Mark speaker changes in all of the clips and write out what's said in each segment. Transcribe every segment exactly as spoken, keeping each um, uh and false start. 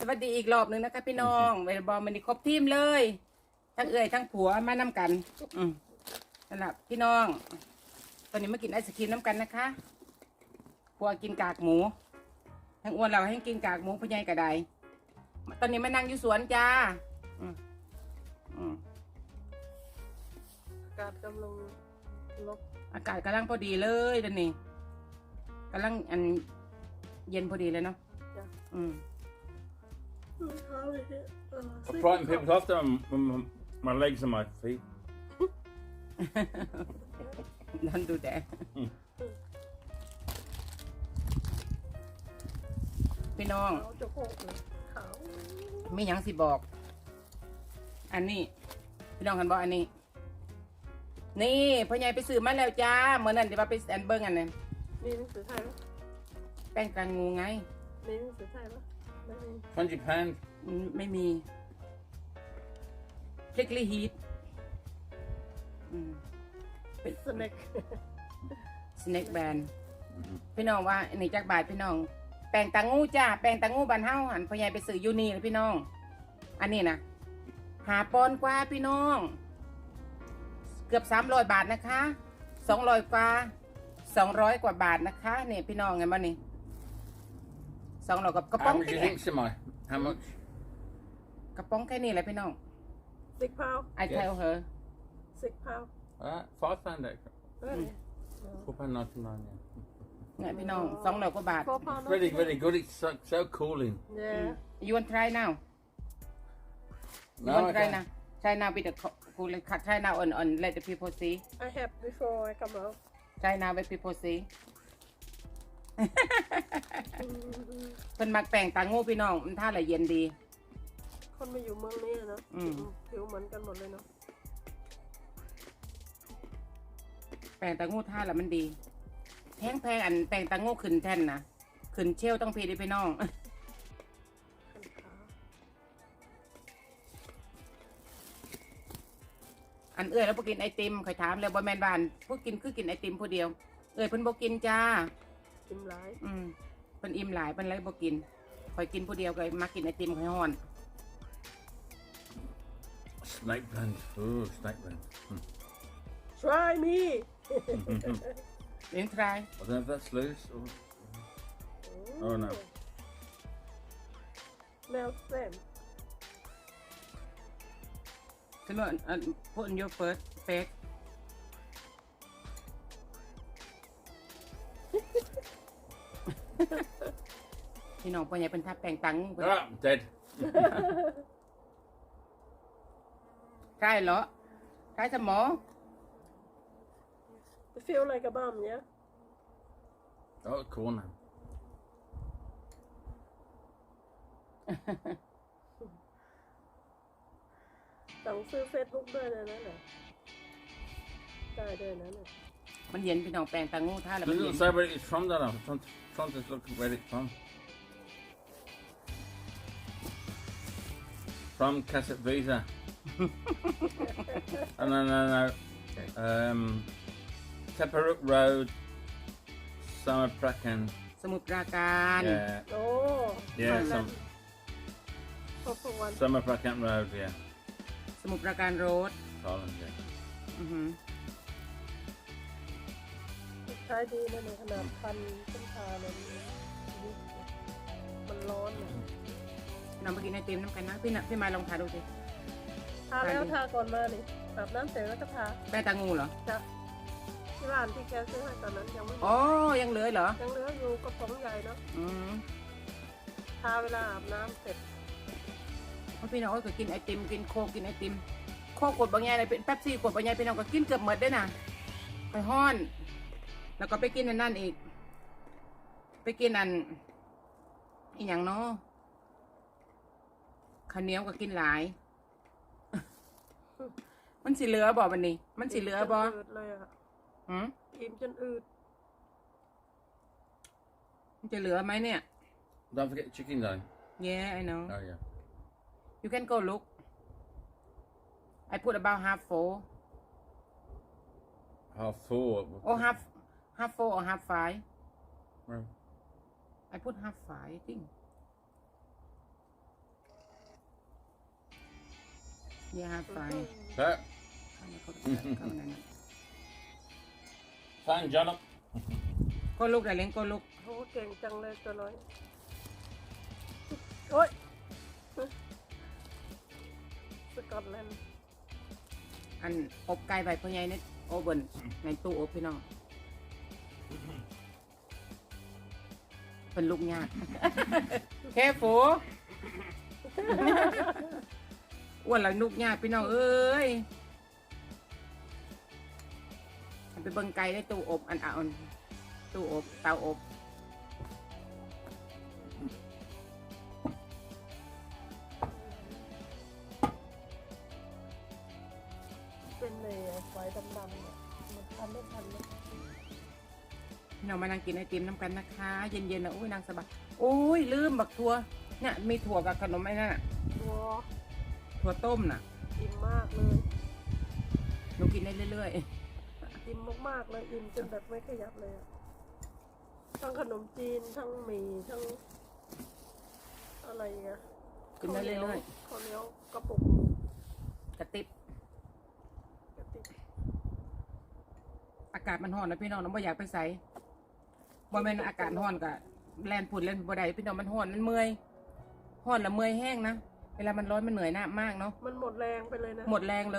Speaker 1: สวัสดีอีกรอบหนึ่งนะคะพี่น้องเวลบอลมันนี่ครบทีมเลยทั้งเอ่ยทั้งผัวมานำกันอืมนั่นแหละพี่น้องตอนนี้มากินไอศครีมน้ำกันนะคะผัวกินกากหมูทั้งอ้วนเราให้กินกากหมูพญายกระไดตอนนี้มานั่งอยู่สวนจ้าอืมอืม
Speaker 2: อากาศกำลังลบ
Speaker 1: อากาศกำลังพอดีเลยตอนนี้กำลังอันเย็นพอดีเลยเนาะ
Speaker 2: จ้ะ
Speaker 1: อืม
Speaker 2: เท้าเลยเนี่ยเออ
Speaker 3: I frighten people off them. My, my, my legs and my feet.
Speaker 1: Don't do that พี่น้อง
Speaker 2: เท้าจะโผล่เลยขาว
Speaker 1: ไม่ยังสิบอก อันนี้ พี่น้องกันบอกอันนี้ นี่พ่อใหญ่ไปซื้อมาแล้วจ้าเมื่อนั้นเดี๋ยวมาไปแอนเบิ้งอันนั้น
Speaker 2: มีหนังสือไทยไหม
Speaker 1: แป้งกลางงูไง
Speaker 2: มีหนังสือไทยปะไม่มี
Speaker 3: Twenty pound.
Speaker 1: อืมไม่มีพริกลีฮีทอืมเป็น
Speaker 2: สแน็ค
Speaker 1: สแน็คแบนพี่น้องว่าอันนี้จักบาทพี่น้อง แป้งตางูจ้าแป้งตางูบานเฮาหันพ่อใหญ่ไปซื้อยูนี่เลยพี่น้อง อันนี้นะหาปอนกว่าพี่น้อง เกือบสามร้อยบาทนะคะสองร้อยกว่าสองร้อยกว่าบาทนะคะเนี่ยพี่น้องไงบ้านี่สองร้อยกับกระป๋อง
Speaker 3: How much do you
Speaker 1: แค่
Speaker 3: think, Simon? How much?
Speaker 1: กระป๋องแค่นี้แหละพี่น้อง
Speaker 2: สิกพาว
Speaker 1: I tell her
Speaker 2: สิกพาว
Speaker 3: Uh, five pound extra.
Speaker 2: เออ
Speaker 3: Four pound ninety nine. Yeah.
Speaker 1: เนี่ยพี่น้องสองร้อยกว่าบาท
Speaker 2: โฟร์พาว
Speaker 3: Really, really good. It's so, so cooling.
Speaker 2: เนี่ย
Speaker 1: you want try now you
Speaker 3: No,
Speaker 1: want
Speaker 3: I
Speaker 1: try
Speaker 3: can't.
Speaker 1: now try now with the cool try now on on let the people see
Speaker 2: I have before I come out
Speaker 1: try now let people see เพิ่นมักแป้งตางูพี่น้องมันท่าละเย็นดี
Speaker 2: คนมาอยู่เมืองนี้อะเนอะ
Speaker 1: อืม
Speaker 2: ผิวเหมือนกันหมดเลยเนาะ
Speaker 1: แป้งตางูท่าละมันดีแพงแพงอันแป้งตางูขึ้นแท่นนะขึ้นเชลต้องพีดิพี่น้อง
Speaker 2: ขันขา
Speaker 1: อันเอ้ยแล้วพวกกินไอติมเคยถามแล้วบอแมนบานพวกกินคือกินไอติมผู้เดียว เอ้ยเพิ่นบ่กินจ้า
Speaker 2: กินหลาย
Speaker 1: อืมเพิ่นอิ่มหลายเพิ่นเลยบ่กินคอยกินผู้เดียวก็มากินไอติมคอยฮ้อน
Speaker 3: Snake blend. Oh, snake blend. Hmm.
Speaker 2: try me
Speaker 1: เลี้ยงทราย
Speaker 3: I don't know if that's loose or. Oh, no.
Speaker 2: แนวเส้น
Speaker 1: สมมติอันพูดอันโยเฟิร์สเฟกพี่น้องพ่อใหญ่เป็นทับแปลงตัง
Speaker 3: Ah, dead.
Speaker 1: ใช่เหรอใช่สมอง
Speaker 2: I feel like a bum yeah
Speaker 3: Oh, corner.
Speaker 2: สั่งซื้อเฟซบุ๊กด้วยนะนั่นน่ะได้ด้วยนะเนี่ย
Speaker 1: มันเย็นพี่น้องแปลงตังงูท่าแล้วมัน
Speaker 3: Doesn't
Speaker 1: เย็น
Speaker 3: say where it's from, though. I'm trying to, trying to look where it's from. From Cassette Visa. oh, no, no, no. Um, Taparuk Road, Summer Prakan.
Speaker 1: สมุทรปราการ
Speaker 3: Yeah,
Speaker 2: โอ้
Speaker 3: yeah, some
Speaker 2: พอพวัน
Speaker 3: Summer Prakan Road, yeah.
Speaker 1: สมุทรปราการโรด
Speaker 3: Thailand, yeah.
Speaker 1: อือหือ
Speaker 2: ใช้ดีนะเนี่ยขนาดพันขึ้นทาเลยมันร้อนนะ
Speaker 1: น้องไปกินไอติมน้ำกันนะพี่นะพี่มาลองทาดูสิ
Speaker 2: ทาแล้วทาก่อนมาดิอาบน้ำเสร็จแล้วก็ทา
Speaker 1: แป้งตังงูเหรอ
Speaker 2: จ้ะที่ร้านที่แกซื้อให้ตอนนั้นยังไม่
Speaker 1: อ๋อยังเหลือเหรอ
Speaker 2: ยังเหลืออยู่กระป๋องใหญ่เนาะ
Speaker 1: อืม
Speaker 2: ทาเวลาอาบน้ำเสร็จ
Speaker 1: เพราะพี่น้องก็กินไอติมกินโคกกินไอติมโคกกดบางอย่างเลยเป็นแป๊บซี่กดบางอย่างพี่น้องก็กินเกือบหมดได้น่ะไปห้อน แล้วก็ไปกินอันนั่นอีก ไปกินอันอีกอย่างเนาะข้าวเหนียวก็กินหลาย มันสิเหลือบ่วันนี้ มันสิเหลือบ่
Speaker 2: มจนอืดเลยอะ
Speaker 1: หืม
Speaker 2: อิ่มจนอืด
Speaker 1: มันจะเหลือไหมเนี่ย
Speaker 3: Don't forget the chicken, though.
Speaker 1: Yeah I know
Speaker 3: Oh, yeah.
Speaker 1: you can go look I put about half full
Speaker 3: Half four.
Speaker 1: or half half full or half five
Speaker 3: Well,
Speaker 1: I put half five I think ยาไฟ
Speaker 3: Så.
Speaker 1: เข้ามาเข้าเข้ามานั่น
Speaker 3: Fan John.
Speaker 1: ก็ลูกแต่เล้งก็ลูก
Speaker 2: โอ้เก่งจังเลยตัวน้อยโอ้ยสกอตแลนด์
Speaker 1: อันอบไก่ใบพ่อใหญ่ในโอเว่นในตู้อบพี่น้องเป็นลูกยาก แค่ฟูอ้วนแล้วลูกยากพี่น้องเอ้ยอันไปเบิ่งไก่ในตู้อบอันอ่อนตู้อบเตาอบ
Speaker 2: เป็นเลยไฟดำๆเนี่ยมันทันไม่ทันเลย
Speaker 1: พี่น้องมานั่งกินไอติมน้ำกันนะคะ เย็นๆนะโอ้ยนางสบายโอ้ยลืมบักถั่วเนี่ยมีถั่วกับขนมไอ้นั่นน่ะ
Speaker 2: ตัว
Speaker 1: ถั่วต้มน่ะ
Speaker 2: อิ่มมากเลย
Speaker 1: หนูกินได้เรื่อย
Speaker 2: อิ่มมากๆเลยอิ่มจนแบบไม่ขยับเลยอะทั้งขนมจีนทั้งหมี่ทั้งอะไรเงี้ย
Speaker 1: ๆกินได้เรื่อย
Speaker 2: ข้าวเหนียวกระปุก
Speaker 1: ๆกระติบ
Speaker 2: กระติก
Speaker 1: อากาศมันร้อนนะพี่น้องน้องบ่อยากไปใส่บ่แม่นอากาศร้อนกะแลนฝุ่นแลนบ่ได้พี่น้องมันร้อนมันเมื่อยร้อนแล้วเมื่อยแห้งนะเวลามันร้อนมันเหนื่อยหน้ามากเนาะ
Speaker 2: มันหมดแรงไปเลยนะ
Speaker 1: หมดแรงเลย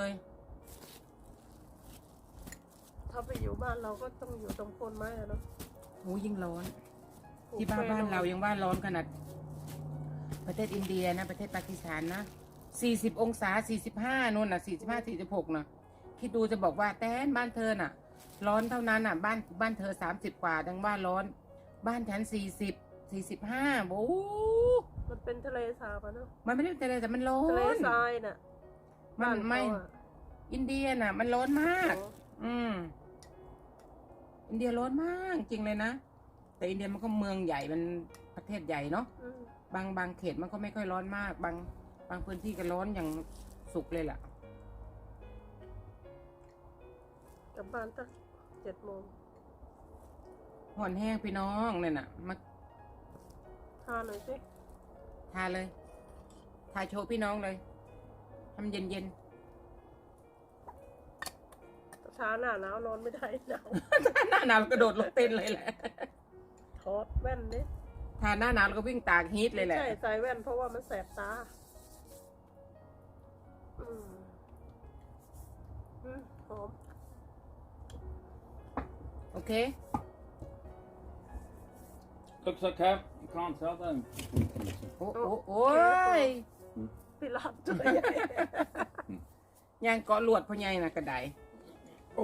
Speaker 2: ถ้าไปอยู่บ้านเราก็ต้องอยู่ตรงโคนไม้อะเนาะ
Speaker 1: โอ้ยิ่งร้อน
Speaker 2: ปลูก
Speaker 1: ที่บ้าน
Speaker 2: แป้ง
Speaker 1: บ้านเรายังว่าร้อนขนาด ประเทศอินเดียนะประเทศปากีสถานนะสี่สิบองศาสี่สิบห้านู่นน่ะสี่สิบห้าสี่สิบหกน่ะคิดดูจะบอกว่าแต้นบ้านเธอน่ะ ร้อนเท่านั้นน่ะ บ้านบ้านเธอสามสิบกว่าดังว่าร้อน บ้านฉันสี่สิบสี่สิบห้าโอ้
Speaker 2: มันเป็นทะเลสาบอะเนาะ
Speaker 1: มันไม่ได้แต่แต่มันร้อ
Speaker 2: ทะเล
Speaker 1: น
Speaker 2: ทรายน่ะ
Speaker 1: มันไม่
Speaker 2: บ้าเขาอะ
Speaker 1: อินเดียน่ะ มันร้อนมาก
Speaker 2: โอ้
Speaker 1: อืมอินเดียร้อนมากจริงเลยนะแต่อินเดียมันก็เมืองใหญ่มันประเทศใหญ่เนาะ
Speaker 2: อืม
Speaker 1: บางบางเขตมันก็ไม่ค่อยร้อนมาก บางบางพื้นที่ก็ร้อนอย่างสุกเลยล่ะ
Speaker 2: กลับบ้านตั้งเจ็ดโมง
Speaker 1: ห่อนแห้งพี่น้องเนี่ยน่ะมา
Speaker 2: ทานหน่อยสิ
Speaker 1: ทาเลย ทาโชว์พี่น้องเลยทำเย็นเย็น
Speaker 2: ช้าหน้าหนาวนอนไม่ได้หนาว
Speaker 1: ๆ หน้าหนาวเรากระโดดลงเต้นเลยแหละ
Speaker 2: ถอดแว่นดิ
Speaker 1: ทาหน้าหนาวเราก็วิ่งตากฮีทเลยแหละ
Speaker 2: ใช่ใส่แว่นเพราะว่ามันแสบตา อืมอืมหอม
Speaker 1: โอเค
Speaker 3: Looks okay. You can't tell then.
Speaker 1: โอ้โอ้โอ้ย
Speaker 2: พี่หลับตัวใหญ่
Speaker 1: ยางเกาะลวดพ่อใหญ่น่ะกระได
Speaker 3: Oh.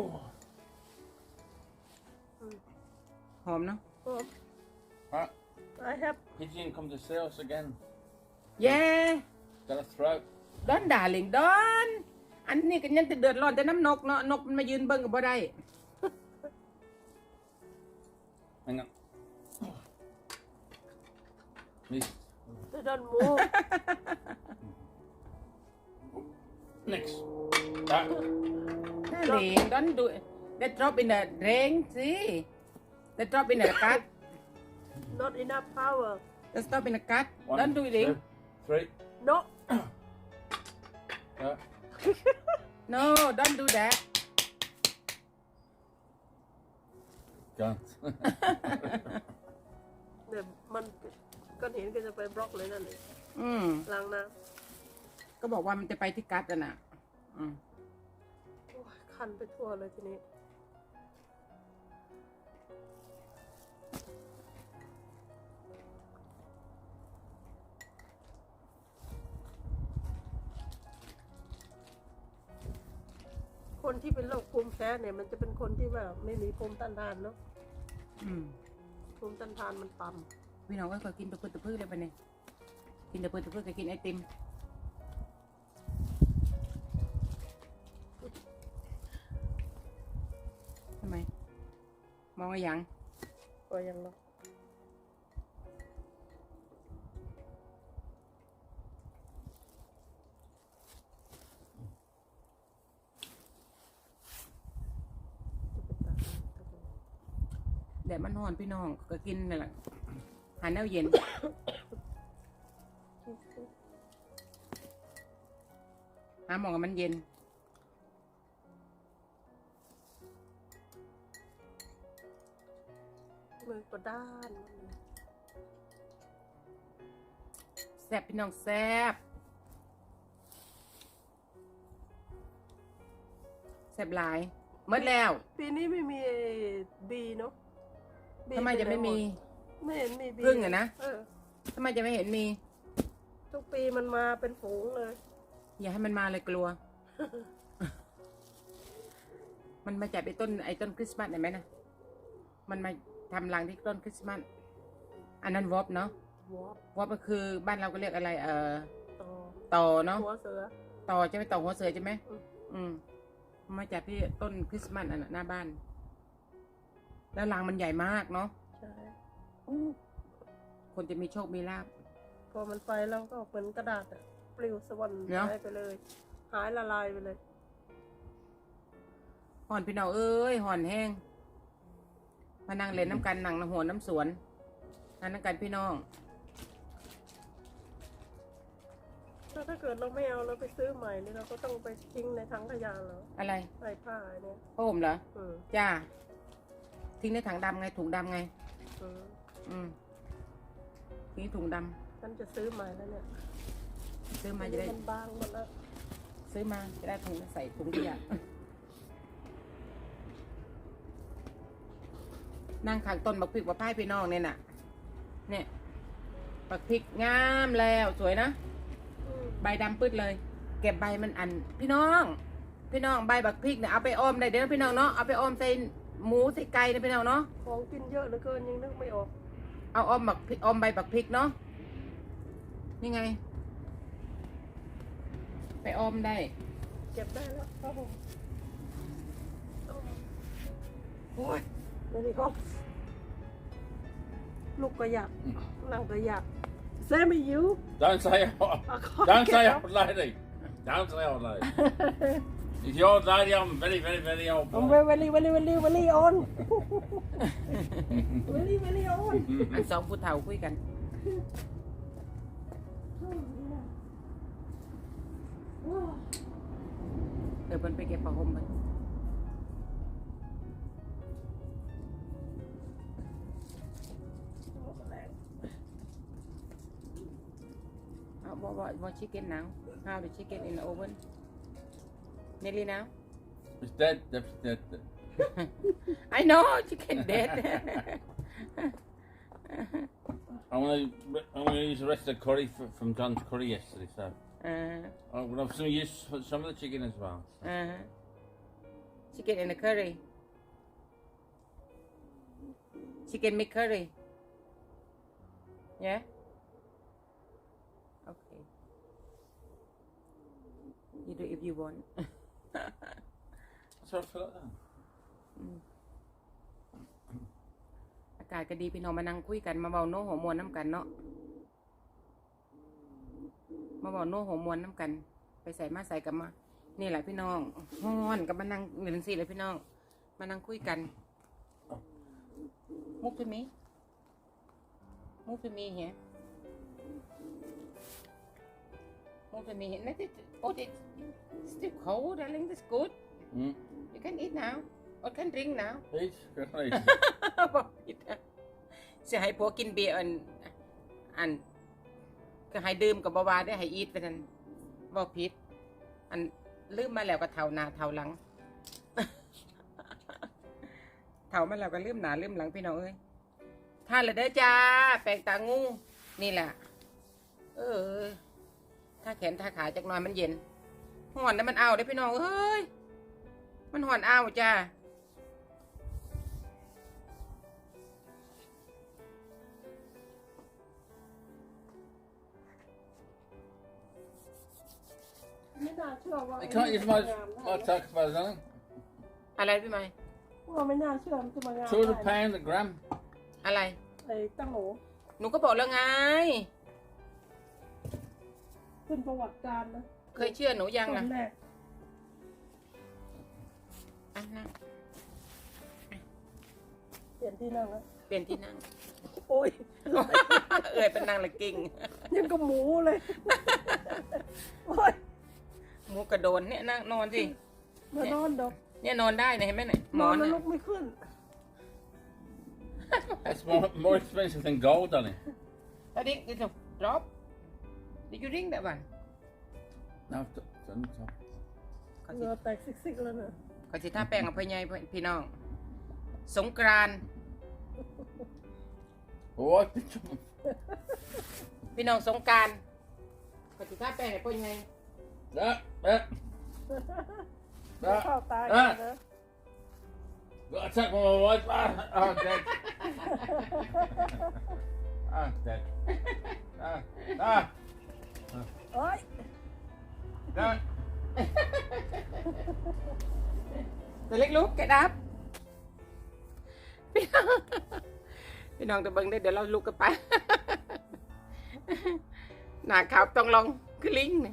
Speaker 2: อืม
Speaker 1: หอมเนาะ
Speaker 2: หอม
Speaker 3: Right.
Speaker 2: I have
Speaker 3: Pigeon come to see us again.
Speaker 1: เย้
Speaker 3: Got a throat.
Speaker 1: ดอนด่าลิงดอน อันนี้ก็ยังจะเดือดร้อนแต่น้ำนกเนาะนกมันมายืนเบิ่งกับบ่ได้
Speaker 3: Hang on. This.
Speaker 2: they don't move
Speaker 3: Next. That.
Speaker 1: ลิงดอนดู they drop in the rain see they drop in the cut
Speaker 2: not enough power
Speaker 1: they stop in the cut
Speaker 3: One,
Speaker 1: don't do it ling
Speaker 3: two, three.
Speaker 2: no
Speaker 3: Uh,
Speaker 1: no don't do that
Speaker 3: can't.
Speaker 2: เดี๋ยวมันก้อนหินก็จะไปบล็อกเลยนั่นเลย
Speaker 1: อืม
Speaker 2: ล้างน้
Speaker 1: ก็บอกว่ามันจะไปที่กัดอ่ะนะอืม
Speaker 2: ำโอ้ยคันไปทั่วเลยทีนี้ คนที่เป็นโรคภูมิแพ้เนี่ย มันจะเป็นคนที่แบบไม่มีภูมิต้านทานเนาะ
Speaker 1: อืม
Speaker 2: ภูมิต้านทานมันต่
Speaker 1: พี่น้องก็เคยกินตะพื้นตะพื้นเลยปะเนี่ยกินตะพื้นตะพื้นก็กินไอติมทำไม มองอะไรยัง
Speaker 2: ำก็ยังเนาะจะไปตัดมัน
Speaker 1: แดดมันร้อนพี่น้องก็กินนี่นแหละหาแนวเย็น
Speaker 2: อ
Speaker 1: หาหมองกับมันเย็น
Speaker 2: มือก็ด้านหมดเลย
Speaker 1: แซ่บพี่น้องแซ่บแซ่บหลายหมดแล้ว
Speaker 2: ปีนี้ไม่มีบีเนาะ B
Speaker 1: ทำไมจะไม่มี
Speaker 2: ไม่เห็นมีบี
Speaker 1: พึ่งอะนะ
Speaker 2: เออ
Speaker 1: ทำไมจะไม่เห็นมี
Speaker 2: ทุกปีมันมาเป็นฝูงเลย
Speaker 1: อย่าให้มันมาเลยกลัว มันมาจากไอ้ต้นไอ้ต้นคริสต์มาสเห็นไหมนะมันมาทำรังที่ต้นคริสต์มาสอันนั้นวอปเนาะ
Speaker 2: วอป
Speaker 1: วอปก็คือบ้านเราก็เรียกอะไร เอ่อ
Speaker 2: ต่อ
Speaker 1: ต่อเนาะ
Speaker 2: หัวเสือ
Speaker 1: ต่อจะไม่ต่อหัวเสือใช่ไหม
Speaker 2: อืม
Speaker 1: อืมมาจากที่ต้นคริสต์มาสอันน่ะหน้าบ้าน แล้วรังมันใหญ่มากเนาะ
Speaker 2: ใช่
Speaker 1: คนจะมีโชคมีลาภ
Speaker 2: พอมันไปแล้วก็เหมือนกระดาษอะปลิวสวรรค์
Speaker 1: เนอะ
Speaker 2: หายไปเลย หายละลายไปเลย
Speaker 1: ห่อนพี่น้องเอ้ยห่อนแห้งมานั่งเล่นน้ำกันนั่งน้ำหัวน้ำสวนนั่งน้ำกันพี่น้อง
Speaker 2: ถ้าถ้าเกิดเราไม่เอาเราไปซื้อใหม่นี่เราก็ต้องไปทิ้งในถังขยะแล้ว
Speaker 1: อะไร
Speaker 2: ใส่ผ้าเนี่ย
Speaker 1: พ่อผมเหรอ
Speaker 2: อืม
Speaker 1: จ้าทิ้งในถังดำไงถุงดำไง
Speaker 2: อืม
Speaker 1: อืมทิ้งถุงด
Speaker 2: ฉันจะซื้อใหม่แล้วเนี่ย
Speaker 1: ำซื้อมาจะได้
Speaker 2: มันบางหมดแล้ว
Speaker 1: ซื้อมาจะได้ถุงใส่ถุงขยะ นั่งข้างต้นบักพริกบักพายพี่น้องเนี่ยน่ะ เนี่ยบักพริกงามแล้วสวยนะ
Speaker 2: อืม
Speaker 1: ใบดำปื้ดเลย เก็บใบมันอัน พี่น้อง พี่น้องใบบักพริกเนี่ยเอาไปออมได้เด้อพี่น้องเนาะเอาไปออมใส่หมูใส่ไก่นะพี่น้องเนาะ
Speaker 2: ของกินเยอะเหลือเกินยังนึกไม่ออก
Speaker 1: เอาออมบักพริกออมใบบักพริกเนาะนี่ไง ไปออมได้
Speaker 2: เก็บได้แล้วครับผม
Speaker 1: โอ้ย
Speaker 2: ไม่ได้ก็ลูกก็อยากนั่งก็อยากเซไม่ยิว
Speaker 3: Don't say out.
Speaker 2: อ่ะขอ
Speaker 3: Don't
Speaker 2: เก็
Speaker 3: say
Speaker 2: บ
Speaker 3: old lady. Don't say old lady. If you're old lady, I'm very, very, very old.
Speaker 2: ผม
Speaker 3: boy.
Speaker 2: เวลี่เวลี่เวลี่เวลี่ออนเวลี่เวลี่ออน
Speaker 1: อันสองผู้เฒ่าคุยกัน เดี๋ยวมันไปเก็บผ้าห่มมันเอา what what what chicken now how the chicken in the oven nearly now
Speaker 3: It's dead. That's dead.
Speaker 1: I know chicken dead
Speaker 3: I'm gonna, I'm gonna use the rest of the curry f from John's curry yesterday. So
Speaker 1: uh,
Speaker 3: I'm gonna have some use for some of the chicken as well.
Speaker 1: uh, chicken in the curry chicken make curry yeah okay you do if you want
Speaker 3: So I feel like that.
Speaker 1: อากาศก็ดีพี่น้องมานั่งคุยกันมาเบาโน้หัวมวนน้ำกันเนาะมาเบาโน้หัวมวนน้ำกัน ไปใส่มาใส่กันมา นี่แหละพี่น้องฮ้อนกับมานั่งเหมือนสี่เลยพี่น้อง มานั่งคุยกัน มุกพี่มีมุกพี่มีเหี้ยมุกพี่มีเห็นไหมที่โอ้ย still cold darling that's good
Speaker 3: Mm.
Speaker 1: you can eat now or can drink now
Speaker 3: Please, good night.
Speaker 1: บอกผิดอะสิให้ผัวกินเบียร์อันอันก็ให้ดื่มกับบาวาได้ให้อีทไปนั่นบอกผิด อันลืมมาแล้วก็เท่าหน้าเท่าหลัง เท่ามาแล้วก็ลืมหน้าลืมหลังพี่น้องเอ้ยท่านเลยเด้อจ้าแปลงตางูนี่แหละเออถ้าแขนถ้าขาจักหน่อยมันเย็นห่อนแล้วมันเอาได้อพี่น้องเอ้ยมันห่อนเอาจ้า
Speaker 2: ไม่น่าเชื่อว่า
Speaker 3: I can't use my, my tax for nothing.
Speaker 1: อะไรพี่ไม้
Speaker 2: ว่าไม่น่าเชื่อมันจะมางาน
Speaker 3: Two hundred pound a gram.
Speaker 1: อะไร
Speaker 2: ไอ้ตั้งโห
Speaker 1: หนูก็บอกแล้วไง
Speaker 2: ขึ้นประวัติการนะ
Speaker 1: เคยเชื่อหนูยัง
Speaker 2: ตอ
Speaker 1: นะ
Speaker 2: นแรก
Speaker 1: อ่ะนั่ง
Speaker 2: เปลี่ยนที่นั่งแล้ว
Speaker 1: เปลี่ยนที่นั่ง
Speaker 2: โอ้ย
Speaker 1: เอ่ยเป็นนางละกิ่ง
Speaker 2: ยังกับหมูเลย โอ้ย
Speaker 1: หหมูกระโดนเนี่ยนั่งนอนสิ
Speaker 2: มานอนดอก
Speaker 1: เนี่ยนอนได้เนี่ยเห็นไหมเนี่ยหม
Speaker 2: น
Speaker 1: อ
Speaker 2: อน
Speaker 1: น
Speaker 2: แล้ว
Speaker 1: น่ะ
Speaker 2: ลุกไม่ขึ้น
Speaker 3: That's more, more expensive than gold, Danny.
Speaker 1: ตอนนี้ดิจะ drop did you ring that one
Speaker 3: No, it's it's on top.
Speaker 1: เขา
Speaker 2: เห
Speaker 1: สิ
Speaker 2: งื่อแตกซิกๆแล้วเนี่ย
Speaker 1: เขาสิท่าแป้งกับพ่อใหญ่พี่น้อง สงกรานต์
Speaker 3: Oh, I've been jumping.
Speaker 1: พี่น้องสงกรานต์เขาสิท่าแป้งกับพ่อใหญ่
Speaker 3: That, that,
Speaker 2: เดี๋ยวเข้าตาย
Speaker 3: อ่ะ
Speaker 2: นะ
Speaker 3: got attacked by my wife. Ah, oh, dead. Ah, dead. Ah, ah,
Speaker 2: โอ้ย
Speaker 3: ah.
Speaker 1: ตัวเล็กลุกแกดับพี่น้องพี่น้องจะเบิ่งได้เดี๋ยวเราลุกกันไป หน้าขาวต้องลองคือลิงเนี่ย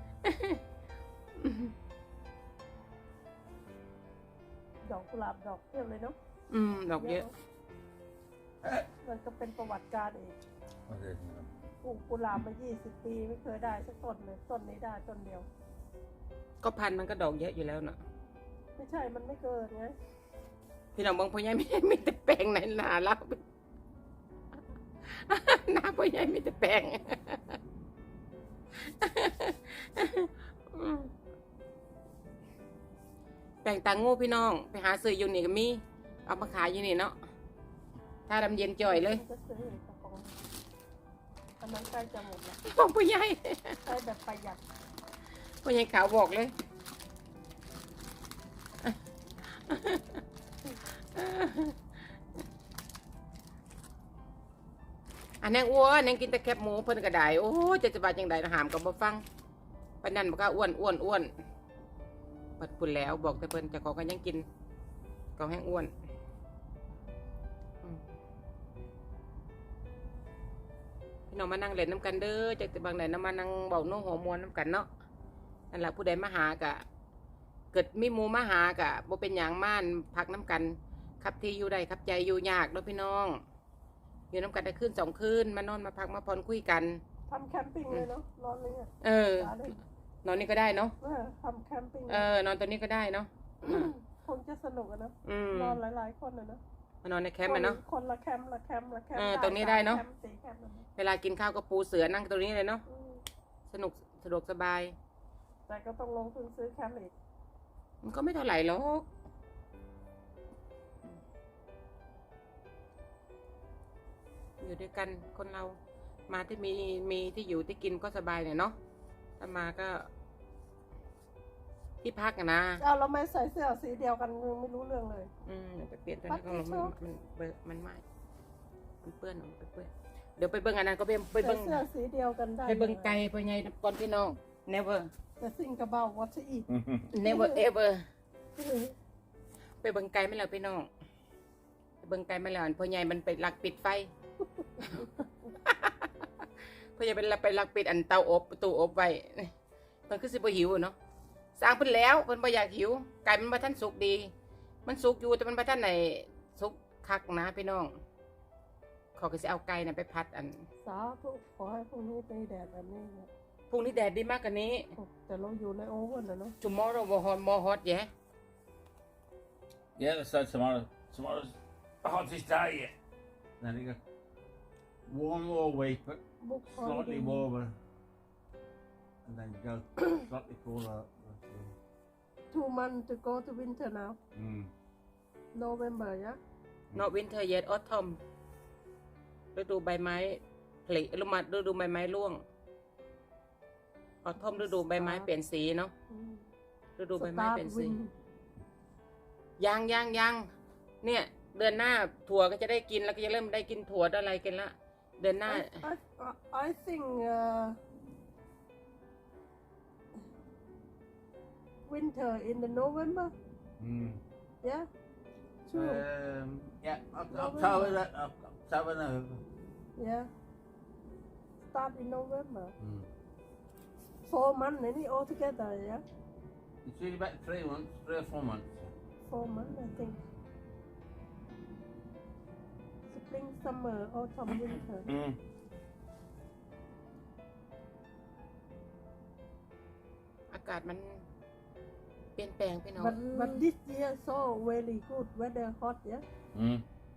Speaker 2: ดอกกุหลาบดอกเทียบเลยเนาะ
Speaker 1: อืมดอกเยอะ
Speaker 2: มันก็เป็นประวัติการเอง
Speaker 3: What is it?
Speaker 2: ปลูกกุหลาบมายี่สิบปีไม่เคยได้สักต้นเลยต้นนี้ได้ต้นเดียว
Speaker 1: ก็พันธุ์มันก็ดอกเยอะอยู่แล้วเนาะ
Speaker 2: ไม่ใช่มันไม่เกิดไง
Speaker 1: พี่น้องบางพ่อใหญ่ไม่ไม่แต่แปลงไหนหนาแล้ว หน้าพ่อใหญ่ไม่แต่แปลง แปลงตางูพี่น้องไปหาซื้ออยู่นี่ก็มีเอามาขายอยู่นี่เนาะถ้าดำเย็นจ่อยเลย
Speaker 2: มันก็ซื้อเองกระป๋องอันนั้นใกล้จะหมดแล้ว
Speaker 1: บอกพ่อใหญ่
Speaker 2: ใช้แบบประหยัด
Speaker 1: พ่อใหญ่ขาวบอกเลย อันนั้นอ้วนนั่งกินแต่แคบหมูเพิ่นก็ได้โอ้จะจะบาดยังไงหามก็บ่ฟังปานนั้นบ่กล้าอ้วนอ้วนอ้วนเปิดพุ่นแล้วบอกแต่เพิ่นเจะของก็ยังกินก็แห้งอ้วนอืมพี่น้องมานั่งเล่นน้ำกันเด้อจากแต่บางไหนน้ำมานั่งเบาโน้หัวมวนน้ำกันเนาะนั่นแหละผู้ใดมาหากะ เกิดมีหมูมาหากะบ่เป็นอย่างม่านพักน้ำกันครับที่อยู่ได้ครับใจอยู่ยากเนาะพี่น้องอยู่น้ำกันได้คืนสองคืนมานอนมาพักมาพรคุยกัน
Speaker 2: ทำแคมปิ้งเลยเนาะนอนเลยเนี่ย
Speaker 1: เออ
Speaker 2: หาเลย
Speaker 1: นอนนี่ก็ได้เนาะ
Speaker 2: เออทำแคมปิ้ง
Speaker 1: เออนอนตัวนี้ก็ได้เนาะอ่ะ
Speaker 2: คงจะสนุกอะนะ
Speaker 1: อืม
Speaker 2: นอนหลายๆคนอะนะ
Speaker 1: มานอนในแคมป์อะเนาะ
Speaker 2: คนละแคมป์ละแคมป์ละแคมป์
Speaker 1: เออตรงนี้ได้เนอะ
Speaker 2: แคมป์สี่แคมป์อะนะ
Speaker 1: เวลากินข้าวก็ปูเสือนั่งตรงนี้เลยเนาะ
Speaker 2: อืม
Speaker 1: สนุกสะดวกสบาย
Speaker 2: แต่ก็ต้องลงทุนซื้อแคมป์อีก
Speaker 1: มันก็ไม่เท่าไหร่หรอกอยู่ด้วยกันคนเรามาที่มีมีที่อยู่ที่กินก็สบายหน่อยเนาะถ้ามาก็ ที่พักอะนะ
Speaker 2: เอาเราไม่ใส่เสื้อสีเดียวกันไม่รู้เรื่องเลย
Speaker 1: อืมเดี๋ยวไปเปลี่ยนตัวนี้ก็ลงมันมันเบอะมันไหม้มันเปื้อนออกไปเปื้อนเดี๋ยวไปเบิ่งอันนั้นก็ไปไป
Speaker 2: ใส่
Speaker 1: เบิ่ง
Speaker 2: เสื้อสีเดียวกันได้
Speaker 1: ไปเบิ่งไก่ไปไงก่อนพี่น้อง never
Speaker 2: แต่สิ่งกระเบาวัตถุอีก
Speaker 1: never ever ไปเบิ่งไก่ไม่แล้วพี่น้องไปเบิ่งไก่ไม่แล้วอันพ่อใหญ่มันไปลักปิดไฟ พ่อใหญ่เป็นลักไปลักปิดอันเตาอบตู้อบไว้มันคือสิบ่หิวอะเนาะสร้างเพิ่นแล้วเพิ่นบ่อยากหิวไก่มันบ่ทันสุกดี มันสุกอยู่แต่มันบ่ทันไหนสุกคักนะพี่น้องเขาก็สิเอาไก่น่ะไปพัดอัน
Speaker 2: สาธุขอให้พรุ่งนี้ไปแดดแบบนี้นะ
Speaker 1: พรุ่งนี้แดดดีมากกว่านี้
Speaker 2: แต่เราอยู่ในโอเว่นนะเนาะ
Speaker 1: tomorrow more hot more hot yeah
Speaker 3: Yeah, that's so tomorrow. Tomorrow's the hottest day yet. Then you go. One more week, but
Speaker 2: บุก
Speaker 3: slightly warmer. And then go slightly cooler.
Speaker 2: two months to go to winter now
Speaker 3: Mm.
Speaker 2: November yeah
Speaker 1: not winter yet autumn ฤดูใบไม้ผลิฤดูมาฤดูใบไม้ร่วง autumn ฤดูใบไม้เปลี่ยนสีเนาะ
Speaker 2: อืม
Speaker 1: ฤดูใบไม้เปลี่ยนสี
Speaker 2: Start wind
Speaker 1: ยังยังยังเนี่ยเดือนหน้าถั่วก็จะได้กินแล้วก็จะเริ่มได้กินถั่วอะไรกันละเดือนหน้า
Speaker 2: I, I, I think uh, winter in the November
Speaker 3: Mm.
Speaker 2: yeah true
Speaker 3: Um, yeah, Oc- October, that- Oc- October, November.
Speaker 2: yeah start in November
Speaker 3: Mm.
Speaker 2: four months any altogether yeah
Speaker 3: It's usually about three months, three or four months.
Speaker 2: four months I think spring summer autumn winter
Speaker 3: Mm.
Speaker 1: อากากาศมันเปลี่ยนแปลงพี่น้อง
Speaker 2: but but this year so very good weather hot yeah
Speaker 3: Mm.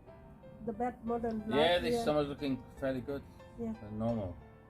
Speaker 2: the bad modern
Speaker 3: Yeah,
Speaker 2: last
Speaker 3: this
Speaker 2: year
Speaker 3: summer's looking fairly good.
Speaker 2: Yeah.
Speaker 3: Uh, normal.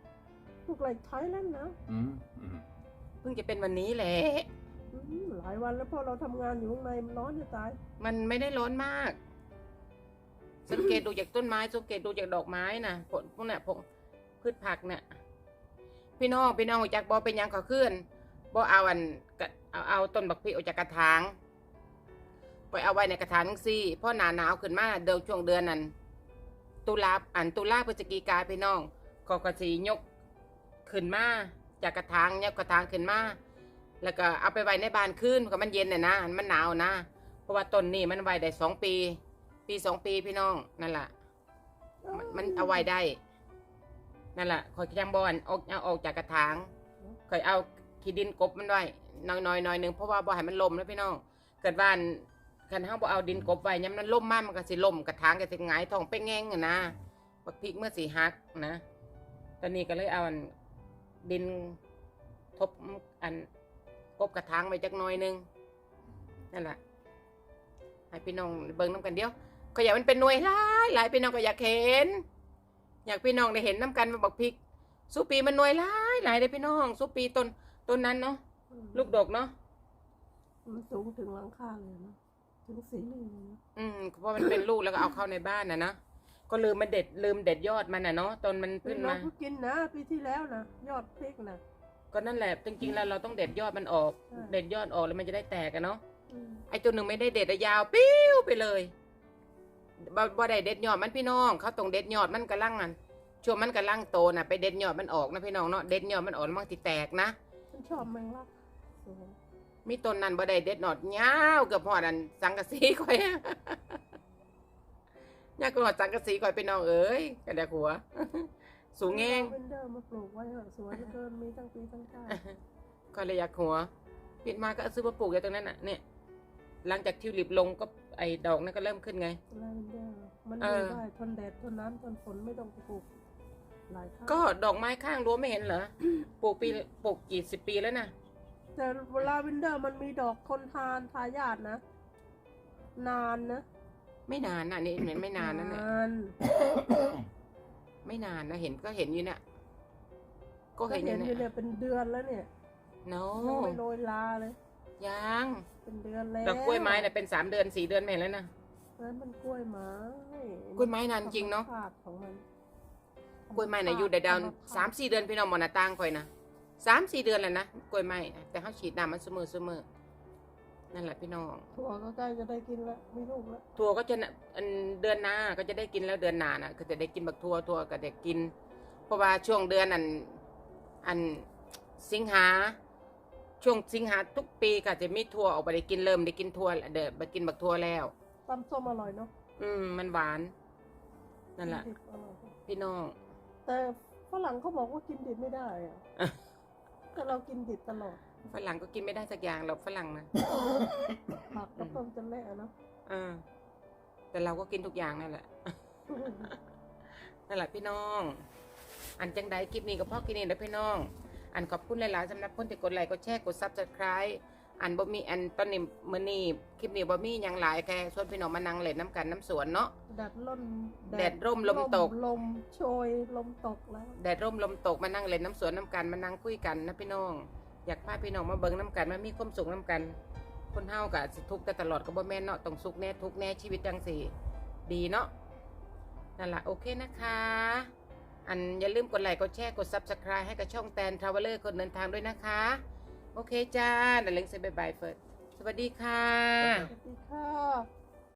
Speaker 2: look like Thailand now
Speaker 3: Mm. Mm.
Speaker 1: เพิ่งจะเป็นวันนี้แหละ
Speaker 2: อืมหลายวันแล้วเพราะเราทำงานอยู่ข้างในมันร้อนจะตาย
Speaker 1: มันไม่ได้ร้อนมาก สังเกตดูจากต้นไม้สังเกตดูจากดอกไม้นะผลพวกเนี้ยพวกพืชผักเนี่ยพี่น้องพี่น้องจากบอเป็นหยังขอขึ้นบอเอาอันกะเอาเอาต้นบักพริกออกจากกระถางไปเอาไว้ในกระถางซี่เพราะหนาหนาวขึ้นมาเดินช่วงเดือนนั้นตุลาอันตุลาพฤศจิกาพี่น้องก็กระสียกขึ้นมาจากกระถางเนี่ยกระถางขึ้นมาแล้วก็เอาไปไว้ในบ้านคืนก็มันเย็นน่ะนะมันหนาวนะเพราะว่าต้นนี้มันไว้ได้สองปี ปีสองปีพี่น้องนั่นแหละมันมันเอาไว้ได้นั่นแหละคอยจังบอลออกเอาออกจากกระถางคอยเอาขี้ดินกบมันไว้น้อยๆหน่อยหนึ่งเพราะว่าบ่ให้มันล่มนะพี่น้องเกิดบ้านคันเฮาบ่เอาดินกบไว้ย้ำนั้นล่มมากมันก็สิล่มกระถางก็สิหงายท้องไปแง่งอะนะบักพริกเมื่อสิหักนะตอนนี้ก็เลยเอาอันดินทบอันกบกระถางไว้จักหน่อยหนึงนั่นแหละให้พี่น้องเบิ่งน้ำกันเดียวก็อยากมันเป็นหน่วยหลายหลายพี่น้องก็อยากเห็นอยากพี่น้องได้เห็นน้ำกันว่าบักพริกสุปีมันหน่วยหลายหลายเลยพี่น้องสุปีต้นต้นนั้นเนาะ
Speaker 2: อืม
Speaker 1: ลูกดกเนาะ
Speaker 2: มันสูงถึงหลังคาเลยนะถึงสีลิงเลยนะ
Speaker 1: อืมเพราะมันเป็นลูกแล้วก็เอาเข้าในบ้านนะนะก็ลืมมันเด็ดลืมเด็ดยอดมันน่ะเนาะตอนมันขึ้น
Speaker 2: เรา
Speaker 1: มา
Speaker 2: ก็กินนะปีที่แล้วนะยอดพริกนะ
Speaker 1: ก็นั่นแหละจริงๆแล้วเราต้องเด็ดยอดมันออก
Speaker 2: ใช่
Speaker 1: เด็ดยอดออกแล้วมันจะได้แตกกันเนาะ
Speaker 2: อืม
Speaker 1: ไอ้ตัวหนึ่งไม่ได้เด็ดอะยาวปิ้วไปเลยบ่บ่ได้เด็ดยอดมันพี่น้องเขาต้องเด็ดยอดมันกระลังอันช่วงมันกระลังโตน่ะไปเด็ดยอดมันออกนะพี่น้องเนาะเด็ดยอดมันออกแล้วมันติแตกนะ
Speaker 2: ฉันชอบแมงลักสวย
Speaker 1: มีต้นนั้นบ่ได้เด็ดยอดยาวเกือบหอดอันสังกะสีข่อย ยาวเกือบหอดสังกะสีข่อยพี่น้องเอ้ยกระเดกหัว สูงแงง
Speaker 2: เวนเดอร์มาปลูกไว้เหอะสวยเหลือเกินมีทั้งปีทั้งชาติ
Speaker 1: ก็เลยอยากหัวปิดมาก็ซื้อมาปลูกอยู่ตรงนั้นน่ะเนี่ยหลังจากทิวลิปลงก็ไอ้ดอกนั่นก็เริ่มขึ้นไง
Speaker 2: ลาเวนเดอร์มัน
Speaker 1: เอ
Speaker 2: อยู่
Speaker 1: อ
Speaker 2: ได้ทนแดดทนน้ำทนฝนไม่ต้องปลูกหลายครั้ง
Speaker 1: ก็ดอกไม้ข้างรั้วไม่เห็นเหรอ ปลูกปีปลูกกี่สิบปีแล้วนะ
Speaker 2: แต่ลาเวนเดอร์มันมีดอกทนทานทายาทนะ นานนะ
Speaker 1: ไม่นานนะนี่เห็นไม่นานนั่นแหละ
Speaker 2: นาน
Speaker 1: ไม่นานนะเห็นก็เห็นอยู่เนี่ยก็
Speaker 2: ก็
Speaker 1: เห็นอ
Speaker 2: เห็
Speaker 1: ยู่
Speaker 2: นอ
Speaker 1: เนี่
Speaker 2: ยู่เนี่ย ยเป็นเดือนแล้วเนี่ย
Speaker 1: โน้
Speaker 2: ยังไม่โรยลาเลย
Speaker 1: ยัง
Speaker 2: เป็นเดือนแล้ว
Speaker 1: ดอกกล้วยไม้เนี่ยเป็นสามเดือนสี่เดือนไม่เห็นแล้วนะ
Speaker 2: นั้นมันกล้วยไม้
Speaker 1: กล้วยไม้นานจริงเนอะ
Speaker 2: ธรรมชาติของมัน
Speaker 1: กล้วยไม้น่ะอยู่ได้ดาวสามสี่เดือนพี่น้องมอนาตังคอยนะสามสี่เดือนแล้วนะกล้วยไม้นะแต่เขาฉีดน้ำมันเสมอเสมอนั่นแหละพี่น้อง
Speaker 2: ถั่วก็ใกล้จะได้กินแล้วมีลูกแล้ว
Speaker 1: ถั่วก็จะน่ะอันเดือนหน้าก็จะได้กินแล้วเดือนหน้าน่ะก็จะได้กินบักถั่วถั่วก็ได้กิน เพราะว่าช่วงเดือนอันอันสิงหาช่วงสิงหาทุกปีก็จะมีถั่วออกไปได้กินเริ่มได้กินถั่วเดี๋ยวไปกินบักถั่วแล้ว
Speaker 2: ตำส้มอร่อยเนาะ
Speaker 1: อืมมันหวานนั่นแหละ
Speaker 2: ดิบอร่อย
Speaker 1: พี่น้อง
Speaker 2: แต่ฝรั่งเขาบอกว่ากินดิบไม่ได้อะแต่เรากินดิบตลอด
Speaker 1: ฝรั่งก็กินไม่ได้สักอย่างหรอกฝรั่งนะ
Speaker 2: ผักกับต้มจะแม่เนาะ
Speaker 1: เออแต่เราก็กินทุกอย่างนั่นแหละ นั่นแหละพี่น้อง อันจังใดคลิปนี้ก็พอกินเองนะพี่น้อง อันขอบคุณหลายๆสำหรับคนที่กดไลค์กดแชร์กดซับสไครต์อันบ่มีอันตอนนี้มื้อนี้คลิปนี้บ่มีหยังหลายแค่ชวนพี่น้องมานั่งเล่นน้ำกันน้ำสวนเนาะ
Speaker 2: แดดร่ม
Speaker 1: แดดร่มลมตก
Speaker 2: ลมโชยลมตกแล้ว
Speaker 1: แดดร่มลมตกมานั่งเล่นน้ำสวนน้ำกันมานั่งคุยกันนะพี่น้อง อยากพาพี่น้องมาเบิ่งน้ำกันมามีความสุขน้ำกัน คนเฮาก็สิทุกข์แต่ตลอดก็บ่แม่นเนาะต้องสุขแน่ทุกข์แน่ชีวิตจังสิดีเนาะนั่นล่ะโอเคนะคะ อันอย่าลืมกดไลค์กดแชร์กด ซับสไครบ์ ให้กับช่องแตนทราเวลเลอร์คนเดินทางด้วยนะคะ โอเคจ้าเดี๋ยวเล้งเซบายบายเฟิร์สสวัสดีค่ะ
Speaker 2: สวัสดีค่ะ